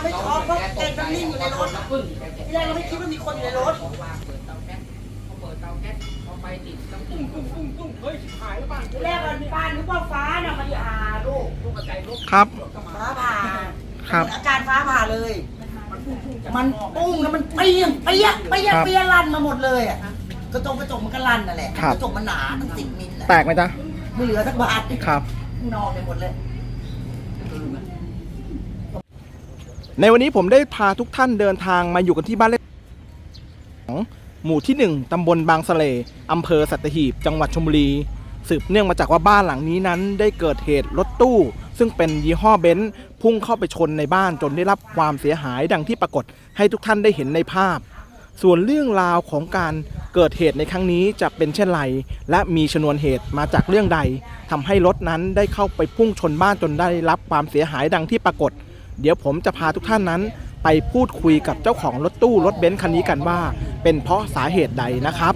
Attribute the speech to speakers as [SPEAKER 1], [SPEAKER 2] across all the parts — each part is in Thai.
[SPEAKER 1] ไม่ช็อกเพราะแกมันนิ่งอยู่ในรถที่แรกเราไม่คิดว่ามีคนอยู่ในรถเปิดเตาแก๊สพอไปติดตุ้งเฮ้ยหายแล้วบ้านที่แรกบ้านนึกว่าฟ้าน่ะมันผ่าลูกใจลูก
[SPEAKER 2] ครับ
[SPEAKER 1] ฟ้าผ่า
[SPEAKER 2] ครับ
[SPEAKER 1] อาการฟ้าผ่าเลยมันปุ้งแล้วมันเปี้ยลั่นมาหมดเลยอ่ะกระจกมันก็ลั่นนั่นแหละกระจกมันหนาตั้ง10 มิล
[SPEAKER 2] แตกไหมจ๊ะ
[SPEAKER 1] ไม่เหลือสักบาท
[SPEAKER 2] ครับ
[SPEAKER 1] นอนไปหมดเลย
[SPEAKER 2] ในวันนี้ผมได้พาทุกท่านเดินทางมาอยู่กันที่บ้านเลขของหมู่ที่1ตำบลบางสะเลอำเภอสัตหีบจังหวัดชลบุรีสืบเนื่องมาจากว่าบ้านหลังนี้นั้นได้เกิดเหตุรถตู้ซึ่งเป็นยี่ห้อเบนซ์พุ่งเข้าไปชนในบ้านจนได้รับความเสียหายดังที่ปรากฏให้ทุกท่านได้เห็นในภาพส่วนเรื่องราวของการเกิดเหตุในครั้งนี้จะเป็นเช่นไรและมีชนวนเหตุมาจากเรื่องใดทำให้รถนั้นได้เข้าไปพุ่งชนบ้านจนได้รับความเสียหายดังที่ปรากฏเดี๋ยวผมจะพาทุกท่านนั้นไปพูดคุยกับเจ้าของรถตู้รถเบนซ์คันนี้กันว่าเป็นเพราะสาเหตุใดนะครับ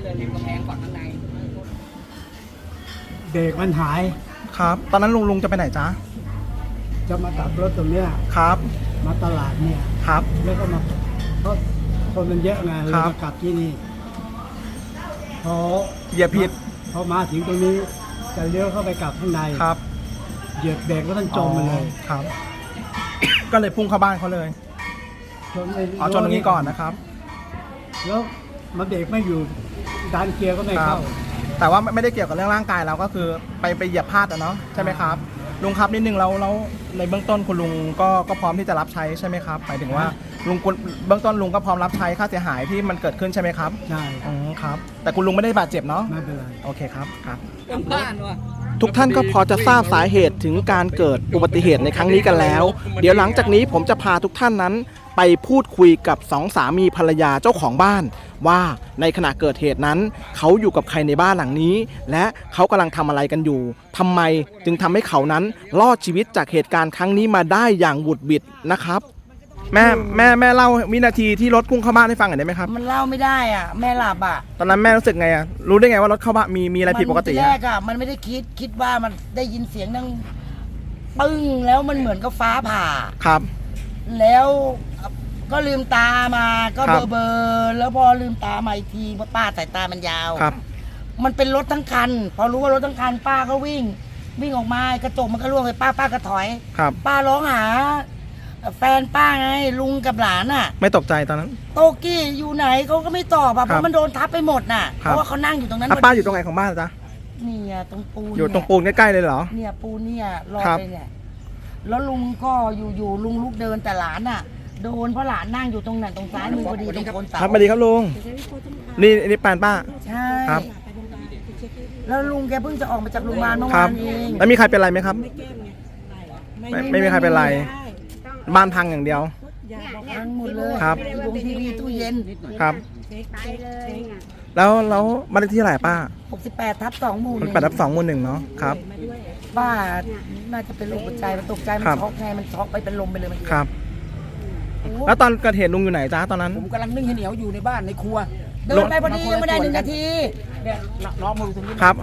[SPEAKER 3] เบรกมันหาย
[SPEAKER 2] ครับตอนนั้นลุงจะไปไหนจ๊ะ
[SPEAKER 3] จะมากลับรถตรงเนี้ย
[SPEAKER 2] ครับ
[SPEAKER 3] มาตลาดเนี่ย
[SPEAKER 2] ครับ
[SPEAKER 3] แล้วก็มาเพราะคนมันเยอะไงเลยมากลับที่นี่พอ
[SPEAKER 2] เหยียบผิด
[SPEAKER 3] พอมาถึงตรงนี้จะเลี้ยวเข้าไปกลับข้างใน
[SPEAKER 2] ครับ
[SPEAKER 3] เหยียบเบรกก็ต้องจมมาเลย
[SPEAKER 2] ครับก็เลยพุ่งเข้าบ้านเขาเลยชนตรงนี้ก่อนนะครับ
[SPEAKER 3] แล้วมาเบรกไม่อยู่ดันเกียร์ก็ไม่เข้า
[SPEAKER 2] แต่ว่าไม่ได้เกี่ยวกับเรื่องร่างกายเราก็คือไปเหยียบพลาดเนาะใช่ไหมครับลุงครับนิดนึงแล้วในเบื้องต้นคุณลุงก็พร้อมที่จะรับใช้ใช่ไหมครับหมายถึงว่าลุงเบื้องต้นลุงก็พร้อมรับใช้ค่าเสียหายที่มันเกิดขึ้นใช่ไหมครับ
[SPEAKER 3] ใช่
[SPEAKER 2] ครับแต่คุณลุงไม่ได้บาดเจ็บเนาะ
[SPEAKER 3] ไม่เป็นไร
[SPEAKER 2] โอเคครับบ้านว่ะทุกท่านก็พอจะทราบสาเหตุถึงการเกิดอุบัติเหตุในครั้งนี้กันแล้วเดี๋ยวหลังจากนี้ผมจะพาทุกท่านนั้นไปพูดคุยกับ2สามีภรรยาเจ้าของบ้านว่าในขณะเกิดเหตุนั้นเขาอยู่กับใครในบ้านหลังนี้และเขากำลังทำอะไรกันอยู่ทำไมจึงทำให้เขานั้นรอดชีวิตจากเหตุการณ์ครั้งนี้มาได้อย่างบุดบิดนะครับแม่เล่าวินาทีที่รถพุ่งเข้าบ้านให้ฟังหน่อยได้ไหมครับ
[SPEAKER 1] มันเล่าไม่ได้อ่ะแม่หลับอ่ะ
[SPEAKER 2] ตอนนั้นแม่รู้สึกไงอ่ะรู้ได้ไงว่ารถเข้าบ้านมีอะไรผิดปกติ
[SPEAKER 1] แรกอ่ะมันไม่ได้คิดว่ามันได้ยินเสียงดังปึ้งแล้วมันเหมือนกับฟ้าผ่า
[SPEAKER 2] ครับ
[SPEAKER 1] แล้วก็ลืมตามาก็เบอแล้วพอลืมตามาอีกทีเพราะป้าสายตามันยาว
[SPEAKER 2] ครับ
[SPEAKER 1] มันเป็นรถทั้งคันพอรู้ว่ารถทั้งคันป้าก็วิ่งออกมากระจกมันก็ร่วงไปป้าก็ถอยป้าร้องหาแฟนป้าไงลุงกับหลานอ่ะ
[SPEAKER 2] ไม่ตกใจตอนนั้น
[SPEAKER 1] โตกี้อยู่ไหนเขาก็ไม่ตอบเพราะมันโดนทับไปหมดน่ะเพราะว่าเขานั่งอยู่ตรงนั้น
[SPEAKER 2] ป้าอยู่ตรงไหนของบ้านจ๊ะ
[SPEAKER 1] นี่ตรงปูน
[SPEAKER 2] อยู่ตรงปูนใกล้ๆเลยเหรอ
[SPEAKER 1] เนี่ยปูนเนี่ยรอไปเนี่ยแล้วลุงก็อยู่ลุงลุกเดินแต่หลานอ่ะโดนเพราะหลานนั่งอยู่ตรงนั้นตรงซ้ายมือพอดีตรงโคนเสา
[SPEAKER 2] ครับสวัสดีครับลุงนี่แฟนป้า
[SPEAKER 1] ใช่ครับแล้วลุงแกเพิ่งจะออกมาจากโรงพยาบาลเมื่อวานเอง
[SPEAKER 2] แล้วมีใครเป็นไรไหมครับไม่มีใครเป็นไรบ้านพังอย่างเดียว
[SPEAKER 1] พังหมดเลย
[SPEAKER 2] ครับ
[SPEAKER 1] วงทีวีตู้เย็น
[SPEAKER 2] ครับแล้วบ้านเลขที่เท่าไหร่ป้า
[SPEAKER 1] 68/2 หมู่
[SPEAKER 2] 68/2 หมู่ 1เนาะครับ
[SPEAKER 1] ป้าน่าจะเป็นโรคหัวใจมันตกใจมันช็อกไงมันช็อกไปเป็นลมไปเลยมัน
[SPEAKER 2] ครับแล้วตอนเกิดเหตุลุงอยู่ไหนจ้าตอนนั้น
[SPEAKER 4] ผมกำลังนึ่งข้าวเหนียวอยู่ในบ้านในครัว
[SPEAKER 1] เดินไปพอดียังไม่ได้1 นาที
[SPEAKER 4] เนี่ยน้องมาดูตรงนี้
[SPEAKER 2] ครับ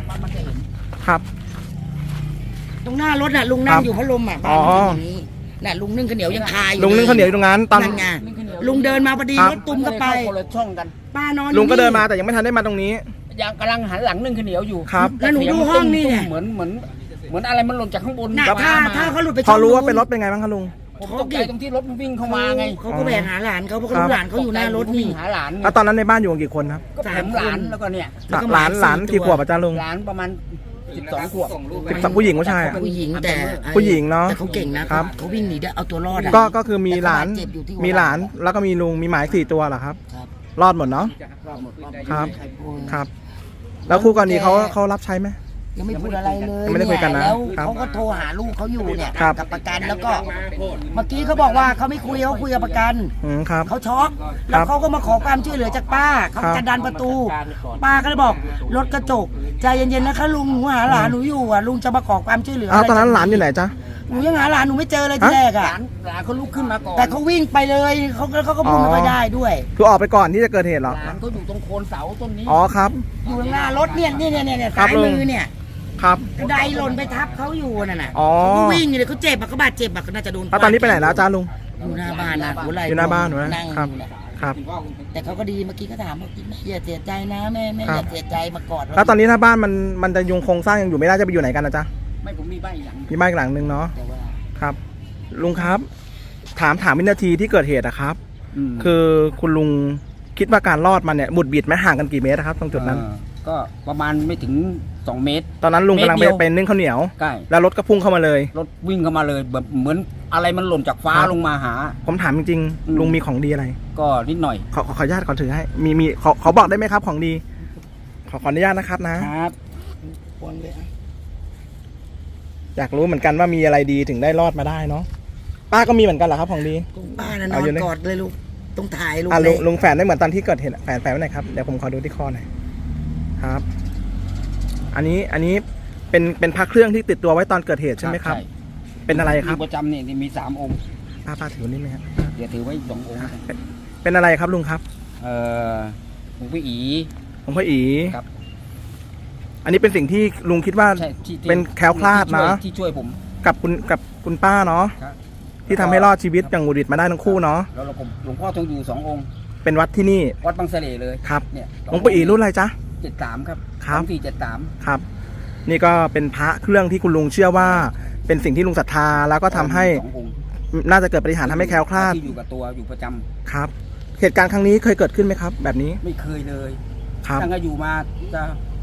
[SPEAKER 1] ตรงหน้ารถน่ะลุงนั่งอยู่พัดลมอ่ะบ้านตรงนี้น่ะลุงนึ่งข้าวเหนียวยังคาอยู่
[SPEAKER 2] ลุงนึ่งข้าวเหนียวอยู่ตรงนั้นตอน
[SPEAKER 1] ลุงเดินมาพอดีรถตุ้มก็ไป
[SPEAKER 4] ช่องกัน
[SPEAKER 1] ป้านอน
[SPEAKER 2] ลุงก็เดินมาแต่ยังไม่ทันได้มาตรงนี้
[SPEAKER 4] ยังกำลังหันหลังนึ่งข้าวเหนียวอยู่
[SPEAKER 2] ครับ
[SPEAKER 1] แล้วหนูดูห้องนี่
[SPEAKER 4] เหมือนอะไรมันหล่นจากข้างบน
[SPEAKER 1] ถ้าเขาหลุดไป
[SPEAKER 2] พอรู้ว่าเป็นรถเป็นไงบ้างคะลุง
[SPEAKER 4] ผมตกใจตรงที่รถมันวิ่งเข้ามาไง
[SPEAKER 1] เขาก็แบกหาหลานเขาเพราะหลานเขาอยู่หน้ารถนี่
[SPEAKER 4] หาหลาน
[SPEAKER 2] แล้วตอนนั้นในบ้านอยู่กันกี่คนครับ
[SPEAKER 4] ก็ผมหลานแล้วก็เนี่ย
[SPEAKER 2] หลานกี่ขวบอาจารย์ลุง
[SPEAKER 4] หลานประมาณ12 ขวบ
[SPEAKER 2] ผู้หญิงผู้ชาย
[SPEAKER 1] ผู้หญิงแต่
[SPEAKER 2] ผู้หญิงเนาะ
[SPEAKER 1] แต่เขาเก่งนะครับเขาวิ่งหนีได้เอาตัวรอด
[SPEAKER 2] ก็คือมีหลานแล้วก็มีลุงมีหมา4 ตัวเหรอครับรอดหมดเนาะครับแล้วคู่กรณีเขารับใช้ไหม
[SPEAKER 1] ยังไม่พูดอะไรเลย
[SPEAKER 2] ไม่ได้คุยกันนะ
[SPEAKER 1] แล้วเขาก็โทรหาลูกเขาอยู่เนี่ยกับประกันแล้วก็เมื่อกี้เขาบอกว่าเขาไม่คุยเขาคุยกับประกันเขาช็อกแล้วเขาก็มาขอความช่วยเหลือจากป้าเขาจะดันประตูป้าก็เลยบอกรถกระจกใจเย็นๆนะคะลุงหนูหาหลานหนูอยู่อ่ะลุงจะมาขอความช่วยเหลือ
[SPEAKER 2] ตอนนั้นหลานอยู่ไหนจ๊ะ
[SPEAKER 1] หนูยังหาหลานหนูไม่เจอเลยทีแรกอ่ะ
[SPEAKER 4] หลานเขาลุกขึ้นมาก่อน
[SPEAKER 1] แต่เขาวิ่งไปเลยเขาก็พูดไม่ได้ด้วย
[SPEAKER 2] คือออกไปก่อนที่จะเกิดเหตุหรอ
[SPEAKER 4] หลานเขาอยู่ตรงโคนเสาต้นนี้
[SPEAKER 2] ครับ
[SPEAKER 1] อยู่หน้ารถเนี่ยซ้ายมือเนี่ย
[SPEAKER 2] ครับ
[SPEAKER 1] กระไดหล่นไปทับเขาอยู่น่ะเขาวิ่งเลยเขาเจ็บเขาบาดเจ็บก็น่าจะโดน
[SPEAKER 2] ตอนนี้ไปไหนแล้วจ้าลุง
[SPEAKER 1] อยู่หน้าบ้านนะหัวไหล่
[SPEAKER 2] อยู่หน้าบ้านเหรอ
[SPEAKER 1] นั่ง
[SPEAKER 2] ครับ
[SPEAKER 1] อยู่เนี่ย
[SPEAKER 2] ครับ
[SPEAKER 1] แต่เขาก็ดีเมื่อกี้ก็ถามว่าแม่อย่าเสียใจนะแม่อย่าเสียใจมากอดเรา
[SPEAKER 2] แล้วตอนนี้ถ้าบ้านมันจะยุงโครงสร้างยังอยู่ไม่ได้จะไปอยู่ไหนกันนะจ๊ะ
[SPEAKER 4] ไม่ผมมีบ้านอีกหลัง
[SPEAKER 2] มีบ้านอีกหลังนึงเนาะ
[SPEAKER 1] แต่ว่า
[SPEAKER 2] ครับ ลุงครับ ถามวินาทีที่เกิดเหตุอะครับ คือคุณลุงคิดว่าการรอดมันเนี่ยบุดบิดไหมห่างกันกี่เมตรอะครับตรงจุดนั้น
[SPEAKER 4] ก็ประมาณไม่ถึง2 เมตร
[SPEAKER 2] ตอนนั้นลุงกำลัง
[SPEAKER 4] เมตรเดียว
[SPEAKER 2] ไปนึ่งข้าวเหนียว
[SPEAKER 4] ใกล้
[SPEAKER 2] แล้วรถก็พุ่งเข้ามาเลย
[SPEAKER 4] รถวิ่งเข้ามาเลยแบบเหมือนอะไรมันหล่นจากฟ้า
[SPEAKER 2] ครับ
[SPEAKER 4] ลงมาหา
[SPEAKER 2] ผมถามจริง
[SPEAKER 4] อืม
[SPEAKER 2] ๆลุงมีของดีอะไร
[SPEAKER 4] ก็นิดหน่อย
[SPEAKER 2] ขออนุญาตขอถือให้มีขอบอกได้ไหมครับของดี ขออนุญาตนะครับนะ
[SPEAKER 4] ครับ
[SPEAKER 1] วนเลยอะ
[SPEAKER 2] อยากรู้เหมือนกันว่ามีอะไรดีถึงได้รอดมาได้เนาะป้าก็มีเหมือนกันเหรอครับของดี
[SPEAKER 1] ป้าน่ะน
[SPEAKER 2] เอา
[SPEAKER 1] อ
[SPEAKER 2] อยู่
[SPEAKER 1] น
[SPEAKER 2] เลย
[SPEAKER 1] กอดเลยลูกต้องถ่ายลูก
[SPEAKER 2] อ่ะ
[SPEAKER 1] เล
[SPEAKER 2] ลุ
[SPEAKER 1] ย
[SPEAKER 2] งแฝนได้เหมือนตอนที่เกิดเหตุอะแฝนไว้ไหนครับเดี๋ยวผมขอดูที่คอหน่อยครับ อันนี้เป็นพระเครื่องที่ติดตัวไว้ตอนเกิดเหตุใช่ไหมครับ เป็นอะไรครับ
[SPEAKER 4] อยู่ประจำเนี่ยมี3 องค์
[SPEAKER 2] ป้าถือนี่ไหมครับ
[SPEAKER 4] เดี๋ยวถือไว้2 องค์นะ
[SPEAKER 2] เป็นอะไรครับลุงครับ
[SPEAKER 4] หลวงพี่อี
[SPEAKER 2] หลวงพ่ออี
[SPEAKER 4] ครับ
[SPEAKER 2] อันนี้เป็นสิ่งที่ลุงคิดว่า
[SPEAKER 4] ใช่ที่
[SPEAKER 2] เป็นแคล้วคลาดนะ
[SPEAKER 4] ที่ช่วยผม
[SPEAKER 2] กับคุณป้าเนาะ
[SPEAKER 4] ครับ
[SPEAKER 2] ที่ทำให้รอดชีวิตอย่างหวุดหวิดมาได้ทั้งคู่เนาะ
[SPEAKER 4] แล้วผมหลวงพ่อทรงอยู่2 องค์
[SPEAKER 2] เป็นวัดที่นี่
[SPEAKER 4] วัดบางเสล่เลย
[SPEAKER 2] ครับ
[SPEAKER 4] เนี่ย
[SPEAKER 2] หลวงพ่ออีรุ่นอะไรจ๊ะ
[SPEAKER 4] 73ครับ
[SPEAKER 2] ครับ
[SPEAKER 4] 2473
[SPEAKER 2] ครับ นี่ก็เป็นพระเครื่องที่คุณลุงเชื่อว่า เป็นสิ่งที่ลุงศรัทธาแล้วก็ทำให้
[SPEAKER 4] 2 องค์
[SPEAKER 2] น่าจะเกิดปาฏิหาริย์ทำให้แคล้วคลาด
[SPEAKER 4] ที่อยู่กับตัวอยู่ประจำ
[SPEAKER 2] ครับ เหตุการณ์ครั้งนี้เคยเกิดขึ้นไหมครับ แบบนี้
[SPEAKER 4] ไม่เคยเลย
[SPEAKER 2] ครับ
[SPEAKER 4] ตั้งแต่อยู่มาจะ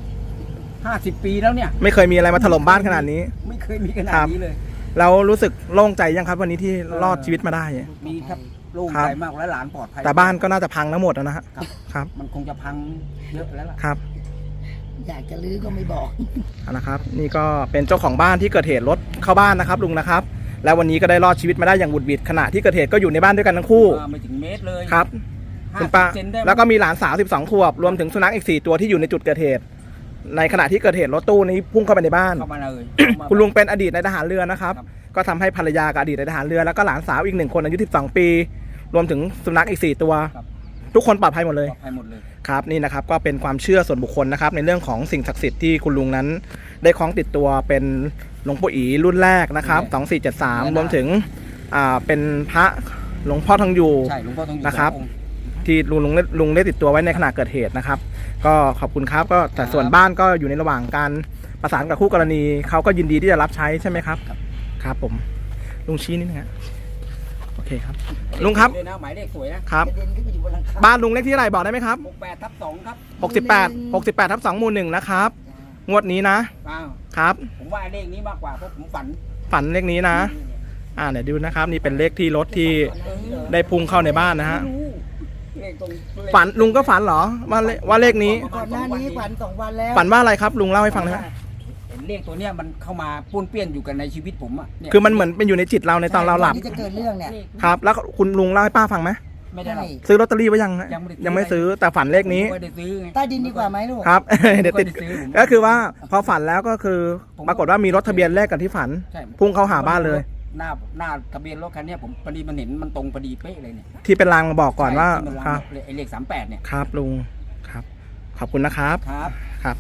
[SPEAKER 4] 50 ปีแล้วเนี่ย
[SPEAKER 2] ไม่เคยมีอะไรมาถล่มบ้านขนาดนี้
[SPEAKER 4] ไม่เคยมีขนาด
[SPEAKER 2] ครับ
[SPEAKER 4] นี้เลย
[SPEAKER 2] เรารู้สึกโล่งใจยังครับ วันนี้ที่รอดชีวิตมาได้
[SPEAKER 4] มีครับโล่ง
[SPEAKER 2] ครับ
[SPEAKER 4] ใจมากและหลานปลอดภัย
[SPEAKER 2] แต่บ้านก็น่าจะพังทั้งหมดนะฮะ
[SPEAKER 4] ครับ
[SPEAKER 2] ครับ
[SPEAKER 4] มันคงจะพังเยอะแล้วล่ะ
[SPEAKER 2] ครับ
[SPEAKER 1] อยากจะลื้อก็ไม่บอก
[SPEAKER 2] เอาละครับ นี่ก็เป็นเจ้าของบ้านที่เกิดเหตุรถเข้าบ้านนะครับลุงนะครับ แล้ววันนี้ก็ได้รอดชีวิตมาได้อย่างบุดหวิดขณะที่เกิดเหตุก็อยู่ในบ้านด้วยกันทั้งคู่
[SPEAKER 4] ไม่ถึงเมตรเลย
[SPEAKER 2] ครับ คุณป้า
[SPEAKER 4] 50 เซนได้ไหม
[SPEAKER 2] แล้วก็มีหลานสาว12ขวบรวมถึงสุนัขอีก4ตัวที่อยู่ในจุดเกิดเหตุ ในขณะที่เกิดเหตุรถตู้นี้พุ่งเข้าไปในบ้าน
[SPEAKER 4] เข้ามาเลย
[SPEAKER 2] คุณลุงเป็นอดีตนายทหารเรือนะครับ
[SPEAKER 4] ครับ
[SPEAKER 2] ก็ทำให้ภรรยากับอดีตนายทหารเรือแล้วก็หลานสาวอีก1คนอายุ12ปี รวมถึงสุนัขอีก4ตัว
[SPEAKER 4] ครับ
[SPEAKER 2] ทุกคนปลอดภัยหมดเลย
[SPEAKER 4] ปลอดภัยหมดเลย
[SPEAKER 2] ครับนี่นะครับก็เป็นความเชื่อส่วนบุคคลนะครับในเรื่องของสิ่งศักดิ์สิทธิ์ที่คุณลุงนั้นได้คล้องติดตัวเป็นหลวงปู่อีรุ่นแรกนะครับ2473รวมถึงเป็นพระหลวงพ่อทองอยู่
[SPEAKER 4] ใช่หลวงพ่อต้องอยู่
[SPEAKER 2] นะครับ
[SPEAKER 4] 2 องค์
[SPEAKER 2] ที่ลุงได้ติดตัวไว้ในขณะเกิดเหตุนะครับ ก็ขอบคุณครับก็แต่ส่วนบ้านก็อยู่ในระหว่างการประสานกับคู่กรณีเขาก็ยินดีที่จะรับใช้ใช่ไหมครับครับผมลุงชี้นิดนึงฮะโอเคครับลุงครับ
[SPEAKER 4] ด้วยนะหมายเลขสวยนะครับ
[SPEAKER 1] กระเด็นขึ้นไปอยู่บนหลังคา
[SPEAKER 2] บ้านลุงเลขที่เท่าไหร่บอกได้ไหมครับ
[SPEAKER 4] 68/2ครับ
[SPEAKER 2] 68 ทับ 2 หมู่ 1 นะครับ งวดนี้นะ
[SPEAKER 4] อ้าว
[SPEAKER 2] ครับ
[SPEAKER 4] ผมว่าเลขนี้มากกว่าเพราะผมฝัน
[SPEAKER 2] ฝันเลขนี้นะ เดี๋ยวดูนะครับ นี่เป็นเลขที่รถที่ได้พุ่งเข้าในบ้านนะฮะ
[SPEAKER 4] ไม่รู้เลขตรงเลข
[SPEAKER 2] ฝันลุงก็ฝันเหรอว่าเลขนี้
[SPEAKER 1] ก่อนหน้านี้ฝัน2 วันแล้ว
[SPEAKER 2] ฝันว่าอะไรครับลุงเล่าให้ฟังได้ไหม
[SPEAKER 4] เห็นเลขตัวเนี้ยมันเข้ามาป้วนเปี้ยนอยู่กันในชีวิตผมอ่ะเนี่ย
[SPEAKER 2] คือมันเหมือนเป็นอยู่ในจิตเราในตอนเราหลับ
[SPEAKER 1] ที่จะเกิดเรื่องเนี่ย
[SPEAKER 2] ครับ แล้วคุณลุงเล่าให้ป้าฟังไหม
[SPEAKER 4] ไม่ได้หรอก
[SPEAKER 2] ซื้อลอตเตอรี่ไว้ยังฮะ
[SPEAKER 4] ยังไม่ได้ซื้อ
[SPEAKER 2] ยังไม่ซื้อแต่ฝันเลขนี้
[SPEAKER 4] ผมไม่ได้ซื้อไง
[SPEAKER 1] ใต้ดินดีกว่าไหมลูก
[SPEAKER 2] ครับ เดี๋ยวติด
[SPEAKER 4] ผมไม่ได้ซื้อผม
[SPEAKER 2] ก็คือว่าพอฝันแล้วก็คือปรากฏว่ามีรถทะเบียนเลขกันที่ฝัน
[SPEAKER 4] ใช่
[SPEAKER 2] พุ่งเข้าหาบ้านเลย
[SPEAKER 4] หน้าทะเบียนรถคันเนี้ยผมพอดีมันเห็นมันตรงพอดีเป๊ะเลยเนี่ย
[SPEAKER 2] ที่เป็นรางมาบอกก่อนว่า
[SPEAKER 4] ใช่ที่มัน
[SPEAKER 2] ครับ
[SPEAKER 4] ไอ้เลข38เนี่ย
[SPEAKER 2] ครับลุงครับขอบคุณนะครับ
[SPEAKER 4] ครับ
[SPEAKER 2] ครับ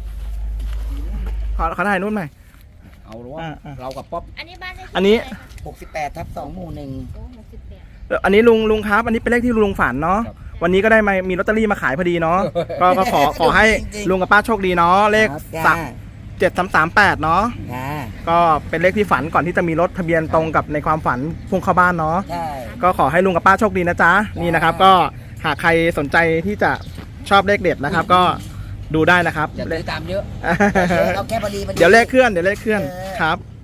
[SPEAKER 2] ขอถ่ายนู่นหน่อย
[SPEAKER 4] เอาหรือว่า
[SPEAKER 2] อ่า
[SPEAKER 4] เรากับป๊อป
[SPEAKER 5] อันนี้บ้านเลขที่
[SPEAKER 2] อันนี้
[SPEAKER 5] เท่าไหร่คะ
[SPEAKER 1] 68 ทับ 2 หมู่ 1
[SPEAKER 5] โอ้68
[SPEAKER 2] อันนี้ลุงครับ อันนี้เป็นเลขที่ลุงฝันเนาะวันนี้ก็ได้มีลอตเตอรี่มาขายพอดีเนาะก็ขอให้ลุงกับป้าโชคดีเนาะเลข
[SPEAKER 1] จ้า
[SPEAKER 2] 7338เนาะ
[SPEAKER 1] จ้า
[SPEAKER 2] ก็เป็นเลขที่ฝันก่อนที่จะมีรถทะเบียนตรงกับในความฝันพุ่งเข้าบ้านเนาะ
[SPEAKER 1] ใช่
[SPEAKER 2] ก็ขอให้ลุงกับป้าโชคดีนะจ๊ะนี่นะครับ ก็หากใครสนใจที่จะชอบเลขเด็ดนะครับ ก็ดูได้นะครับ
[SPEAKER 4] อย่าซื้อตามเยอะ
[SPEAKER 1] เอาแค่พอดี
[SPEAKER 2] เดี๋ยวเลขเคลื่อนครับ